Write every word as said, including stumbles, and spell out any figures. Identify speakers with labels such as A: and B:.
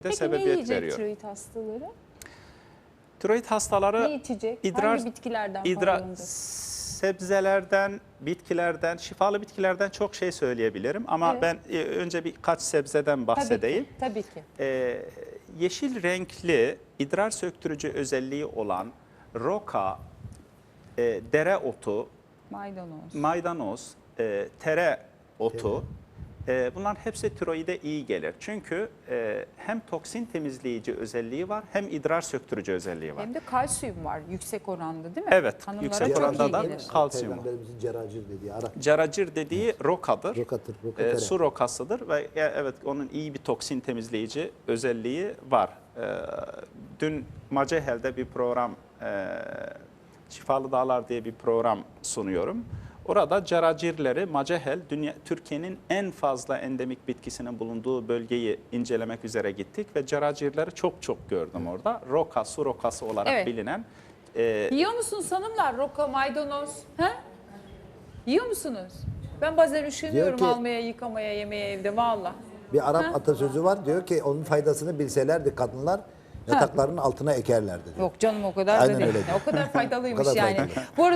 A: Peki ne
B: sebebiyet
A: yiyecek
B: veriyor.
A: tiroid hastaları?
B: Tiroid hastaları
A: Ne içecek?
B: idrar,
A: Hangi bitkilerden
B: idrar,
A: faydalanacak?
B: sebzelerden, bitkilerden, şifalı bitkilerden çok şey söyleyebilirim. Ama
A: Evet.
B: ben e, önce birkaç sebzeden bahsedeyim.
A: Tabii ki. Tabii ki.
B: Ee, yeşil renkli, idrar söktürücü özelliği olan roka, e, dereotu,
A: Maydanoz.
B: maydanoz, e, tere otu, e, bunların hepsi tiroide iyi gelir. Çünkü e, hem toksin temizleyici özelliği var hem idrar söktürücü özelliği var.
C: Hem de kalsiyum var yüksek oranda değil mi?
B: Evet,
C: Hanımlara
B: yüksek
C: çok
B: oranda
C: iyi
B: da
C: gelir.
B: kalsiyum var.
D: Peygamberimizin ceracir dediği ara.
B: Caracir dediği rokadır.
D: Rokadır, roka
B: E,
D: tere.
B: su rokasıdır ve e, evet onun iyi bir toksin temizleyici özelliği var. E, dün Macehel'de bir program, e, Şifalı Dağlar diye bir program sunuyorum. Orada caracirleri Macehel, dünya, Türkiye'nin en fazla endemik bitkisinin bulunduğu bölgeyi incelemek üzere gittik ve caracirleri çok çok gördüm orada. Roka, su rokası olarak
C: Evet.
B: bilinen. E,
C: Yiyor musunuz hanımlar roka, maydanoz? He? Yiyor musunuz? Ben bazen üşeniyorum
D: Diyor ki-
C: almaya, yıkamaya, yemeye evde valla.
D: Bir Arap
C: Ha?
D: atasözü var, diyor ki onun faydasını bilselerdi kadınlar yataklarının altına ekerlerdi diyor.
C: Yok canım o kadar
D: Aynen
C: da değil.
D: öyle diyor.
C: O kadar faydalıymış
D: O kadar
C: yani.
D: faydalı.
C: Bu arada